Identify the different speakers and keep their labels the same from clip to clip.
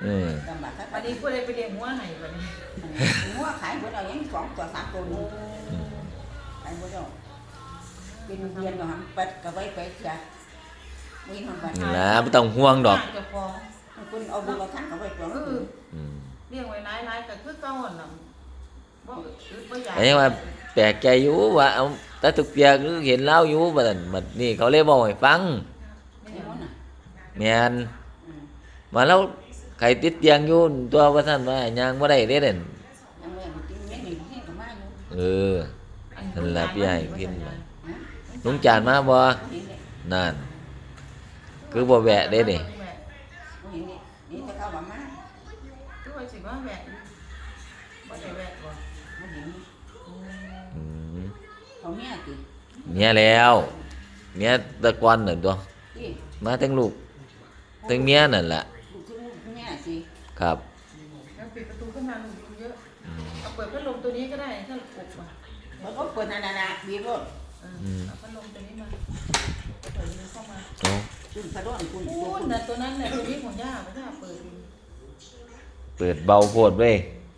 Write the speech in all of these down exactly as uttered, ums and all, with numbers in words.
Speaker 1: เออ
Speaker 2: ลำบากครับ
Speaker 3: วันนี้ผู้ใดไปเลี้ยงหัวให้วันนี้
Speaker 2: หัวขายหมดเอายังสองตัวสามตัวนี่ขายหมดแล้วเป็นเดือนก็หำเป็ดก็ไว้ไปเสียมีทำบ้าน
Speaker 1: นี่ล่ะบ่ต้องห่วงดอก
Speaker 3: เจ้าของ
Speaker 2: คุณเอาบุญเอาท่านก็ไว้ตัว
Speaker 3: เอ
Speaker 2: นึ
Speaker 3: อง
Speaker 1: อืม
Speaker 3: เลี้ยงไว้หลายๆก็คือเก่าหั่นน่ะบ่อึดบ่อยาก
Speaker 1: ไอ้ว่าแปลกใจอยู่ว่าเอาแต่ทุกเปียกคือเห็นเล่าอยู่บัดนั้นบัดนี้เขาเลยบอกให้ฟัง
Speaker 2: นี่มันน่ะ
Speaker 1: แม่นมาแล้วใครติดเตียงอยู่ตัวว่าท่านว่ายังบ่ได้เด้เด่น
Speaker 2: ยังไม่กินเม็ดหนึ่งที่ก็มาอยู่
Speaker 1: เออ นั่นแหละพี่ให้กินมา
Speaker 2: นะ
Speaker 1: ลุงจานมาบ่
Speaker 2: เห็นเลย
Speaker 1: นั่นคือบ่แวะเด้นี่
Speaker 2: เห็นนี่นี่จะเข้ามามา
Speaker 3: คือว่าสิว่าแวะอยู่บ่ได้แวะบ่
Speaker 2: มันเห็น
Speaker 1: อืม
Speaker 2: เขาเมียติ
Speaker 1: เมียแล้วเมียตะกอนนั่นตัว
Speaker 2: ที่
Speaker 1: มาทั้งลูกทั้งเมียนั่นแหละ
Speaker 2: ลูกคือลูกเมียสิ
Speaker 1: ครับ
Speaker 3: แล้วปิดประตูขึ้นมาลูกอยู่เยอะเอาเปิดพัดลมตัวนี้ก็ได้ถ้าอบอ่ะ
Speaker 2: มันก็เปิดนานานาบีบรถ
Speaker 3: เออเอาพัดลมตัวนี้มาเปิดมันเข้ามา
Speaker 1: โอ้
Speaker 2: คุณกระโดดคุณ
Speaker 3: พูดน่ะตัวนั้นน่ะตัวนี้ของย่าไม่ได้เปิดดู
Speaker 1: เปิดเบาโพดเว้ย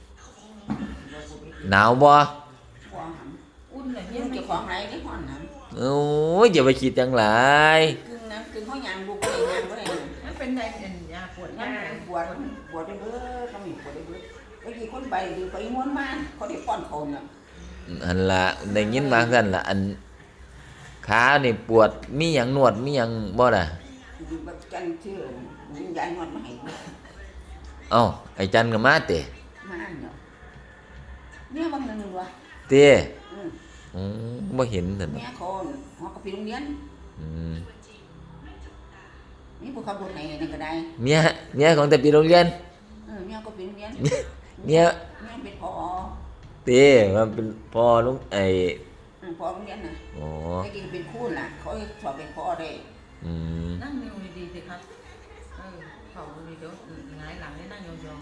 Speaker 1: หนาวบ่
Speaker 2: วางห
Speaker 3: อุ่นน่ะ
Speaker 2: ำ
Speaker 3: เฮีย
Speaker 2: ยัง
Speaker 3: ไม่
Speaker 2: เจ้าของไรได้ห่อนห
Speaker 1: โอ้ยอย่าไปคิดจังหลาย
Speaker 2: ำกึ่งน้ำกึ่งเขายางลูกก็เลยยางก็เลย
Speaker 3: มันเป็นไดเป็นยาปวด
Speaker 2: นั่
Speaker 3: ย่าน
Speaker 2: ปวดปวดได้เบ้อต้องมีปวดได้เบ้อไอ้กี่คนไปหรือไปม้วนมาเขาได้ป้อนเขาเนี่ย
Speaker 1: อันละได้ยินมาซั่นละอันขานี่ปวดมีหยังนวดมีหยังบ่ล่ะ
Speaker 2: แบบกันชื่อวิญญาณนวดมาให้
Speaker 1: เอ้าไอ้จันก็มาเตะ
Speaker 2: มาเนาะเนี่ยบางนึงวะ
Speaker 1: เตะ
Speaker 2: อืม
Speaker 1: อืมบ่เห็นซั่น
Speaker 2: เนี่ยคนหอกระปีโรงเรียน
Speaker 1: อืม
Speaker 2: นี่พวกเขาบุญไหนนั่นก็ได้
Speaker 1: เมียเมียของแต่ปีโรงเรียน
Speaker 2: เออเนี่ยก็ปีโรงเรียน
Speaker 1: เมีย
Speaker 2: เนี่ยเป็นพอ
Speaker 1: เต้มันเป็นพ่อลุงไอ้
Speaker 2: พอโรงเรียนน่ะ
Speaker 1: อ๋อ
Speaker 2: ไอ้กี่เป็นคู่น่ะเขาสอบเป็นพอได้
Speaker 1: อืม
Speaker 3: นั่งนิ้วดีๆสิครับเออเข่าดีเดี๋ยวหงายหลังให้นั่งยอง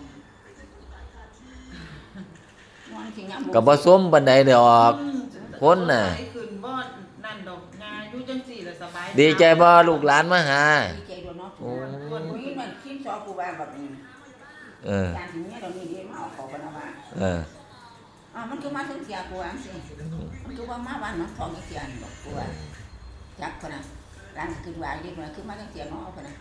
Speaker 2: นอนที่ยาม
Speaker 1: ก็บ่ส้มปานใดดอ
Speaker 3: ๆ
Speaker 1: ก คนน่ะ
Speaker 3: ขึ้นบ่นั่นดอกงาอยู่จังสี่ละสบาย
Speaker 1: ดีใจบ่ลูกหลานมาหา
Speaker 2: ดีใจด้วยเนาะ
Speaker 1: โอ้
Speaker 2: คนนี้มันคิดสอบกูว่าแบบนี้
Speaker 1: เออ
Speaker 2: การที่เนี่ยเรานี่ดีมาเอาเขากันว่า
Speaker 1: เออ
Speaker 2: อ่ามันคือมาถึงเสียกูว่าสิมันคือว่ามาบ้านน้องทองเสียนบอกกูว่าจักคนน่ะร้านคือว่าดีกว่าคือมาถึงเสียน้องเอาคนน่ะ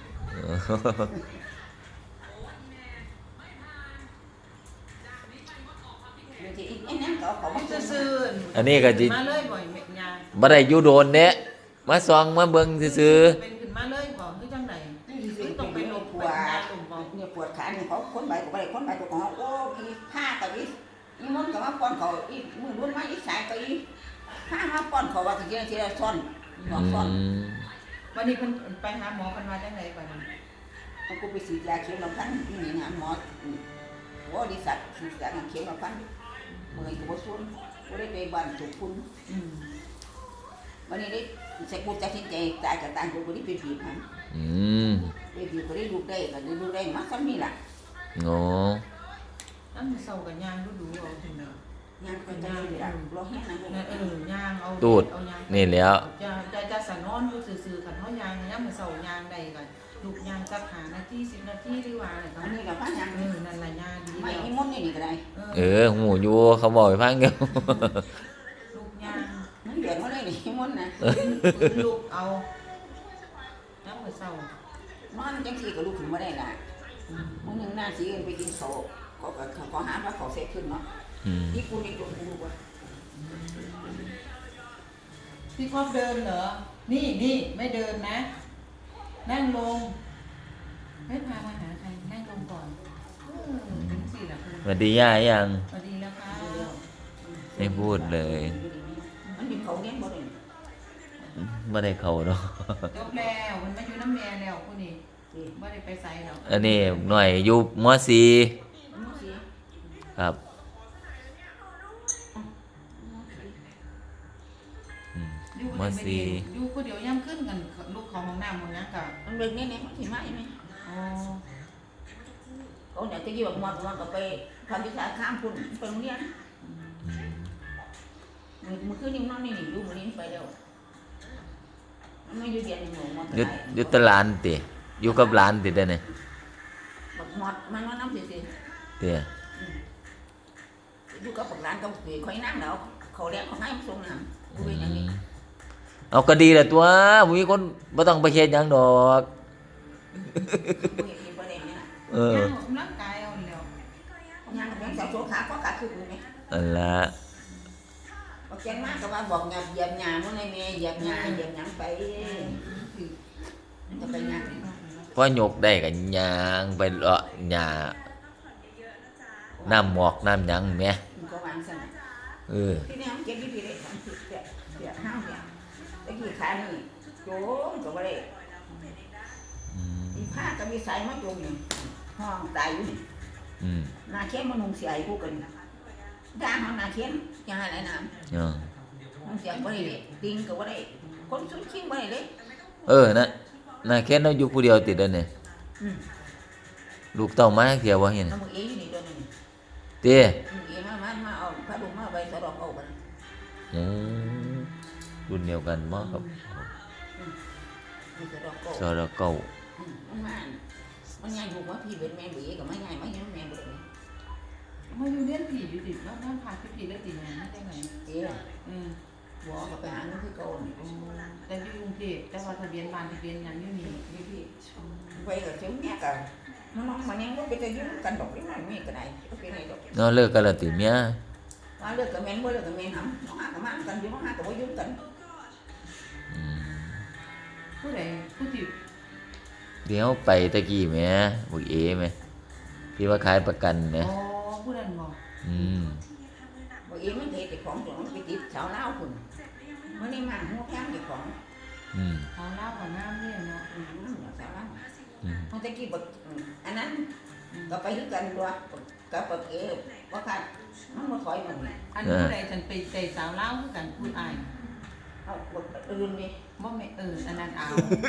Speaker 2: บางทีอีกไอ้นั่นก็เอาเขามา
Speaker 3: ซื่
Speaker 2: ซื้อ
Speaker 3: อ
Speaker 1: อันนี้ก็สิ
Speaker 3: มาเลยบ่อยเม็ดยา
Speaker 1: บ่ได้อยู่โดนเด้มาส่องมาเบิ่งซื่อ
Speaker 3: เป็นขึ้นมาเลยบ่คือจังได๋
Speaker 2: นี่ต้องไปลงปวดเนี่ยปวดขาเนี่ยเขาคนใบก็ไปคนใบตัวของโอ้พี่ผ้าก็อีนี่มันก็มาป้อนเขาอีมือรุ่นมาอีสายก็อีผ้ามาป้อนเขาว่าทีละทีละซ่อน
Speaker 1: ๆ
Speaker 2: สองซ่อน
Speaker 1: อืม
Speaker 3: วันนี้เพิ่นไปหาหมอเพิ่นว่าจังได๋ก่อนนี้
Speaker 2: มันกูไปฉีดยาเข็มละพันนี่นะหมอโอ้ดิสัตฉีดยาเข็มละพันเมื่อกูบ่ซุนกูได้ไปบ้านถูกคุณ
Speaker 3: อืม
Speaker 2: วันนี้ได้ใส่กูตัดสินใจตายกับตายกูก็ได้ไปบีบมัน
Speaker 1: อืม
Speaker 2: ไปบีบก็ได้ลูกได้ก็ได้ลูกได้มาซ้ำนี่ล่ะ
Speaker 1: โอ้
Speaker 3: นั่นเซากับยางดูๆเอาพุ่นน่ะ
Speaker 2: ยังก็จะได้ล่ะรอแห้งนะลูก
Speaker 3: นั่นเออย่างเอา
Speaker 1: ตูด
Speaker 3: เอายาง
Speaker 1: นี่แหล้ว
Speaker 3: จะจะจะสะนอนอยู่ซื่อๆคันเฮายางยามมื้อเช้ายางได้ก็ลูกยางสักห้านาทีสิบนาทีหรือว่าอะไรก็
Speaker 2: อันนี้ก็พันยัง
Speaker 3: เออนั่นล่ะยางดี
Speaker 2: ไม่
Speaker 3: แล้ว
Speaker 2: มีมดนี่นี่ก็ได้
Speaker 1: เออหูอยู่เขาบอกให้ฟังอยู่
Speaker 3: ลูกยาง
Speaker 2: มันเดือดมาเลยนี่มดนะ
Speaker 3: ลูกเอายามมื้อเช้าน
Speaker 2: อนจังซี่ก็ลุกขึ้นมาได้ล่ะมื้อนึงหน้าสิเอิ้นไปกินข้าวก็ก็ขอหาว่าเขาเสร็จขึ้นเนาะ
Speaker 1: อืม
Speaker 2: ที่กูนี่กูกูว่า
Speaker 3: พี่ครอบเดินเหรอ นี่นี่ไม่เดินนะ นั่งลงไม่พามาหาใครนั่งลงก่อนเออถึงสี่ละคุณ
Speaker 1: สวัสดีย่ายัง
Speaker 3: สวัสดีแล้วค่ะ
Speaker 1: ไม่พูดเลย
Speaker 2: มันมีเขาเงี้ยบ่ได้
Speaker 1: ไม่ได้เข้าเนาะ
Speaker 3: จบแล้วมันมาอยู่น้ำแม่แล้วคุณนี่ไม่ได้ไปไสแล้ว
Speaker 1: อันนี้หน่อยอยู่ม .สี่
Speaker 2: มันสิ
Speaker 1: ครับอืม
Speaker 3: อยู่
Speaker 1: ม
Speaker 3: คน .
Speaker 1: สี่
Speaker 3: เดียวอยู่คนเดียวย่ำขึ้นกันลูกของห้องน้ำห้องนี้กับ
Speaker 2: มันเบิ่งนี่นี่มันสิมาอีไหม
Speaker 3: อ๋อ
Speaker 2: เขาเนี่ยตะกี้บอกมอดมันก็ไปทำวิชาข้ามคุณไปโรงเรียนมื้อมื้อคืนนี้นอนนี่นี่อยู่มื้อนี้ไปแล้วมันไม่อยู่เรียนนี่หนูมอด
Speaker 1: อยู่อยู่แตหลานติอยู่กับหลานติได้เนี่ย
Speaker 2: บักหมดมันว่าน้ำสิสิ
Speaker 1: เตี้ย
Speaker 2: อยู่กับพวกร้านกับปุ๋ยคอยนั่งแล้วเขาเลี้ยงเขาให้มาส่งน้ำกูเป็นอย่างนี้
Speaker 1: เอาก็ดีแหละตัวบ่มีคนบ่ต้องไปเฮ็ดหยังดอก
Speaker 2: กูเห็นมีประเด็นเนี่ย
Speaker 1: เออ
Speaker 3: ย่างออกกำลังกายเอาแล้ว
Speaker 2: ยังเป็นสาวโสขาก็ขาคือกูไหม
Speaker 1: อันละ
Speaker 2: บอกแกนมากก็ว่าบอกหยาบเหยียบหยาเมื่อไรเมย์เหยียบหยาเหยียบหยังไปจะไปหยา
Speaker 1: พอยกได้ก็ย่างไปเลาะหญ้าน้ำหมอกน้ำหยังแหม
Speaker 2: มันก็วางสั่น
Speaker 1: เออ
Speaker 2: ที่นี่มันเก็บที่พี่เลยทำผิดเสียเสียห้าวเนี่ยตะกี้ขานี่โจมก็ไม่ได้
Speaker 1: อืม
Speaker 2: อีผ้าก็มีสายมาโจมนี่ห้องตายอยู่นี่
Speaker 1: อืม
Speaker 2: นาเข้มมันนุ่งเสียไอ้กูกันด่าห้องนาเข้มยังไงน้
Speaker 1: เออ
Speaker 2: ำมันเสียงไม่ได้เลยติงก็ไม่ได้คนสุดขี้ไม่ได้เลย
Speaker 1: เออนะน่าแค่เราอยู่ผู้เดียวติดแล้วเนี่ย
Speaker 2: อืม
Speaker 1: ลูกเต้ามาเที่ยวบ่เห็น
Speaker 2: น้ำมือเอ๋อยู่นี่เดือนนึง
Speaker 1: เตี้ย
Speaker 2: มือเอ๋มามามาเอาพระดุมาใบสะดอกเอากัน
Speaker 1: อืมรุ่นเดียวกันบ่ครับ
Speaker 2: มีสะดอกเอา
Speaker 1: สระเก่า
Speaker 2: อืมมันมามันยังอยู่ว่าพี่เป็นแม่บีกับไม่ไงไม่ยังแม่บุตร
Speaker 3: มาอยู่เรียนผีอยู่ดิแล้วนั่นพาพี่ผีแล้วตีนะได้ไง
Speaker 2: เอ๋
Speaker 3: อืม
Speaker 2: หัวก็ไปหาเงินที่เก่านี่
Speaker 3: แต่อยู่กรุงเทพแต่ว่าทะเบียนบ้านทะเบียนหยังอยู่นี่
Speaker 2: พี่พี่ไปกับเจ้าแม่กันมันน้องมันยังว่าไปจะยุ่งกันดอกนี่มันมีกันไหนก็เป็นไงดอก
Speaker 1: เนาะเลิกกันแล้วติเมีย
Speaker 2: ว่าเลิกกับแม่นว่าเลิกกับแม่นหำน้องหากับมันกันอยู่น้องหากับว่ายุ่งกัน
Speaker 1: อืม
Speaker 3: ผู้ใดผู้ที่
Speaker 1: เดี๋ยวไปตะกี้แหมบักเอแหมที่ว่าขายประกันแหม
Speaker 3: อ๋อผู้นั้นบอก
Speaker 1: อืม
Speaker 2: บอกเอ๋มันเด็กของตัวมันไปติดชาวเล่าคุณมันนี่มันหัวแข้งเด็กของ
Speaker 1: อืม
Speaker 3: เขาเล่ากับน้ำเนี่ยเนาะ
Speaker 2: อืมชาวเล่า
Speaker 1: อืม
Speaker 2: มันตะกี้บอกอันนั้นก็ไปด้วยกันด้วยกับบอกเอ๋ว่าค่ะมันมาถอยมัน
Speaker 3: อันผู้ใดฉันไปใจสาวเล่าคือกันพูดอาย
Speaker 2: เอาบอกอื่นดิ
Speaker 3: บ่แม่เอออันนั้นเอา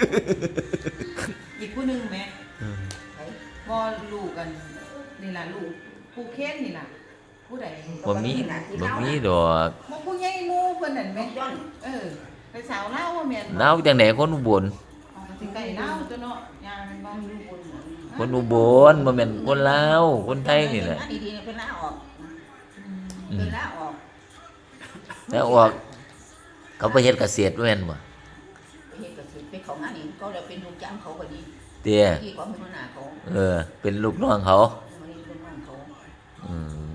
Speaker 3: อีกผู้หนึงแม่
Speaker 2: ไอ้
Speaker 3: บ่ลูกกันนี่ล่ะลูกผู้เค้นนี่ล่ะผู้ใด
Speaker 1: บ่มีบ่มีดอก
Speaker 3: บ่ผู้ใหญ่หมู่เพิ่นนั่น
Speaker 2: แม่
Speaker 3: แม่
Speaker 2: ย้อน
Speaker 3: เออไปสาวเล่าว่าแม่นบ่
Speaker 1: เล่าจังได๋คนอุบล
Speaker 3: เอาก็สิไก่เล่าตัวเนาะยามันบ่
Speaker 2: มันอยู่บน
Speaker 1: คนอุบลบ่แม่นคนลาวคนไทยนี่แหละ
Speaker 2: ดีๆเป็นลาออก
Speaker 1: อื
Speaker 2: เป็
Speaker 1: ม
Speaker 2: นลาออก
Speaker 1: แล้วออกเขาไปเฮ็ดเกษตรแม่นบ่
Speaker 2: เฮ็ดก็สิไปของงานนี่ก็เลยเป็นลูกจ้างเขาก็ดี
Speaker 1: เตี้ย
Speaker 2: ที่เขาเป็นหัวหน้าเขา
Speaker 1: เออ เป็นลูกน้องเขา
Speaker 2: มันนี่เป็นน้องเขา
Speaker 1: อืม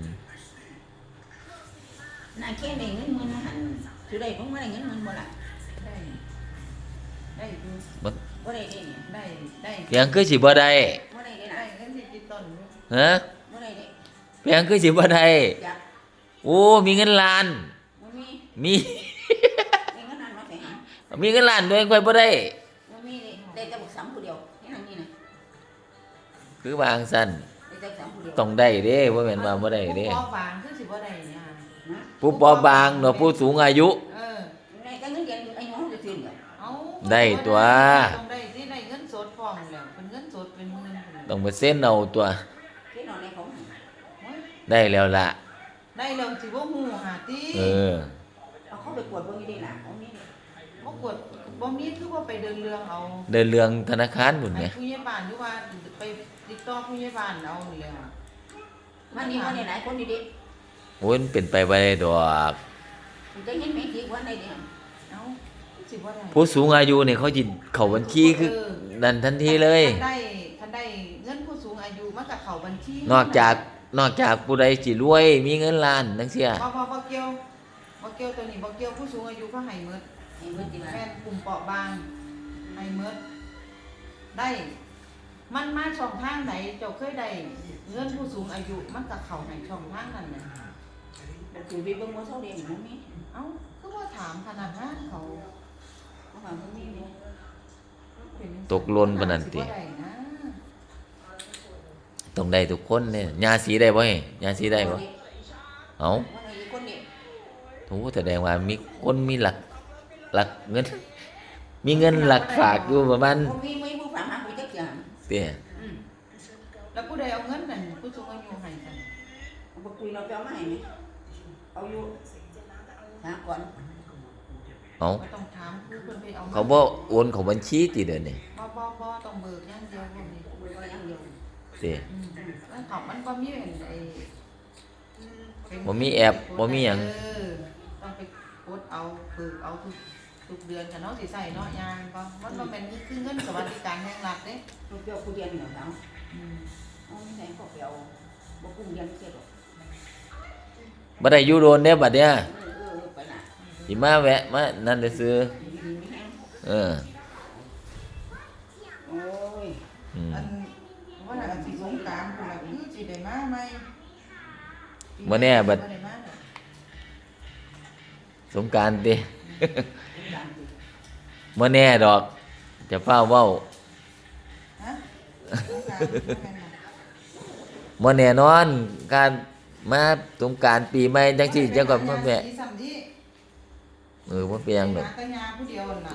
Speaker 2: นายแค่ได้เงินมันหันสิได้ผมบ่ได้เงินมันบ่ล่ะ
Speaker 3: ได้ได้อยู่
Speaker 1: บ่
Speaker 2: บ่ได้เด้เนี่ย
Speaker 3: ได้ได้
Speaker 1: เพียงคือสิบ่ได้
Speaker 2: บ่ได้เด้
Speaker 3: ได้
Speaker 2: ล่ะ
Speaker 3: เงินสิจิตต้นอยู่
Speaker 1: ฮะ
Speaker 2: บ่ได้เด้
Speaker 1: เพียงคือสิบ่ได้
Speaker 2: อยาก
Speaker 1: โอ้มีเงินล้าน
Speaker 2: บ่มี
Speaker 1: มี
Speaker 2: ได้เงินนั้นมาใส่หา
Speaker 1: มีเงินล้านด้วยค่อยบ่ได้
Speaker 2: บ่มีได้ได้แต่บักสามผู้เดียวนี่นั่นนี่นะ
Speaker 1: คือวางซั่น
Speaker 2: ได้แต่สามผู้เดียว
Speaker 1: ต้องได้เด้บ่แม่นว่าบ่ได้เด้
Speaker 3: ผู้ปอบางคือสิบ่ได้เนี่ย
Speaker 2: นะ
Speaker 1: ผู้ปอบางเนาะผู้สูงอายุ
Speaker 3: เออ
Speaker 2: ได้แต่เงินเดือนอายุเขาจะสิ้นก็
Speaker 3: เอา
Speaker 1: ได้ตัว
Speaker 3: ต้องได้สิได้เงินสดพร้อมแล้วเป็นเงินสดเป็นเงินพุ่น
Speaker 1: ต้องไปเซ็นเอาตัว
Speaker 2: ที่นอนในเขา
Speaker 3: โอ้ย
Speaker 1: ได้แล้วล่ะ
Speaker 3: ได้แล้วสิบ่ฮู้หาติ
Speaker 1: เออ
Speaker 2: เอาเขาไปกวดเบิ่งอยู่ดีล่ะเขานี่นี่
Speaker 3: บ่กดบ่มีคือว่าไปเดินเรื่องเอา
Speaker 1: เดินเรื่องธนาคารพุ่นแหม
Speaker 3: ให้ผู้ใหญ่บ้านหรือว่าไปติดต่อผู้ใหญ่บ้านเอานี่แหละ
Speaker 2: มันนี่มันนี่หลายคนดี
Speaker 1: โอ้ยมันเป็นไปบ่ได้ดอก
Speaker 2: ๆมันจะเห็นไหมที่วันใดเดียว
Speaker 3: เอ้าสิบ่ได้
Speaker 1: ผู้สูงอายุนี่เขาสิเข้าบัญชีคือนั่นทันทีเลย
Speaker 3: ถ้าได้ถ้าได้เงินผู้สูงอายุมันก็เข้าบัญชี
Speaker 1: นอกจากนอกจากผู้ใดสิรวยมีเงินล้านจังซี่
Speaker 3: บ่บ่บ่เกี่ยวบ่เกี่ยวตัวนี้บ่เกี่ยวผู้สูงอายุเขาให้หมด
Speaker 2: ให้เบิ่งดีล่ะ
Speaker 3: แม่นกลุ่มเปราะบางให้หมดได้ มันมาช่องทางไหนเจ้าเคยได้เงินผู้สูงอายุมันก็เข้าในช่องทางนั้นน่ะ
Speaker 2: บ่คือไปเบิ่งบ่เซาเดียวนี่มันมี
Speaker 3: เอ้าคือว่าถามขนาดนั้นเขา
Speaker 2: เขาว่ามันมีนี่
Speaker 3: เป็นจัง
Speaker 1: ตกหล่นปานนั้นติ
Speaker 3: สิบ่ได้นะ
Speaker 1: ต้องได้ทุกคนเนี่ยยาสีได้บ่เฮ้ยาสีได้บ่เอ้า
Speaker 2: ว่าได้คนนี้
Speaker 1: โหแสดงว่ามีคนมีหลักหลักเงิน มีเงินหลักฝากอยู่ประมาณ
Speaker 2: บ่มีไม่ผู้ฝากหาผู้จักอย่าง
Speaker 1: เตี้ย
Speaker 2: อืม
Speaker 3: แล้วผู้ใดเอาเงินนั่นผู้สูงอายุให้กัน
Speaker 2: บ่คุยเราไปเอามาให้นี่เอาอยู่หาก่อน
Speaker 1: เอ้า
Speaker 3: ไม่ต้องถามคือเพิ่นไปเอามา
Speaker 1: เขาบ่โอนเข้าบัญชีติเด้อนี่
Speaker 3: บ่บ่บ่ต้องเบิกอย่างเดียวพวกนี้
Speaker 2: บ่ว่าอย่างเดียว
Speaker 1: ติ
Speaker 3: อืมแล้วของมันก็มีเป็นไอ้
Speaker 1: บ่มีแอปบ่มีหยัง
Speaker 3: เออต้องไปกดเอาฝึกเอาทุกทุกเดือนกันเนาะสิใส่เนาะยางก็มันบ่แม่นคือเงินสวัสดิการแห่งรัฐเด้
Speaker 2: ลูกเดียวผู้เดียวนี่เหรอเขา
Speaker 3: อืม
Speaker 2: เอาไม่ใช่พวกเดียวบ่กุ้งเรียนเสียหรอก
Speaker 1: บ่ได้อยู่โดนเด้บัดเนี้ย
Speaker 2: เออเออไปน่ะ
Speaker 1: สิมาแวะมานั่นซื่อ
Speaker 2: ดีดีไม่แห้ง
Speaker 1: เออ
Speaker 2: โอ้ย
Speaker 1: อืม
Speaker 3: อันว่าน่ะสิสงกรานต์พุ่นล่ะคือสิได้มาใหม่
Speaker 1: บ่แน่บัด
Speaker 3: บ่ได้มาดอก
Speaker 1: สงกรานต์ติ
Speaker 2: ดังดี
Speaker 1: บ่แน่ดอก จะฟ้าวเว้า
Speaker 3: ฮะสงกรานต์บ่แม่นบ่
Speaker 1: บ่แน่นอน การมาสงกรานต์ปีใหม่จังซี่จังก็มาแวะ
Speaker 3: สิซ้ำที่
Speaker 1: เออบ่เป็นหยังดอก
Speaker 3: หาแต่ยาผู้เดียวนั่นน่ะ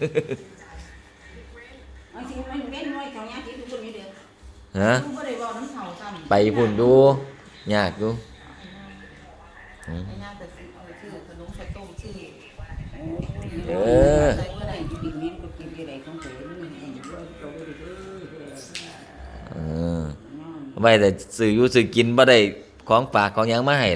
Speaker 2: เอาสิมันเว้นไว้เขาเนี่ยที่ทุกคนนี่เด้อ
Speaker 1: ฮะ
Speaker 3: ลูกบ่ได้เว้าน้ำเฒ่าซ้ำ
Speaker 1: ไปพุ่นดูยากอยู่อืม
Speaker 3: ไอ้ยาแต่สิเอาชื่อขนมข้าวต้มชื่อ
Speaker 1: เออ
Speaker 2: ใส่บ่ได้อยู่ดินนี้ก็กินได้ของตัวนี่เองด้วยตัวบ่ได้เด้อ
Speaker 1: เออไว้แต่ซื้ออยู่ซื้อกินบ่ได้ของฝากของหยังมาให้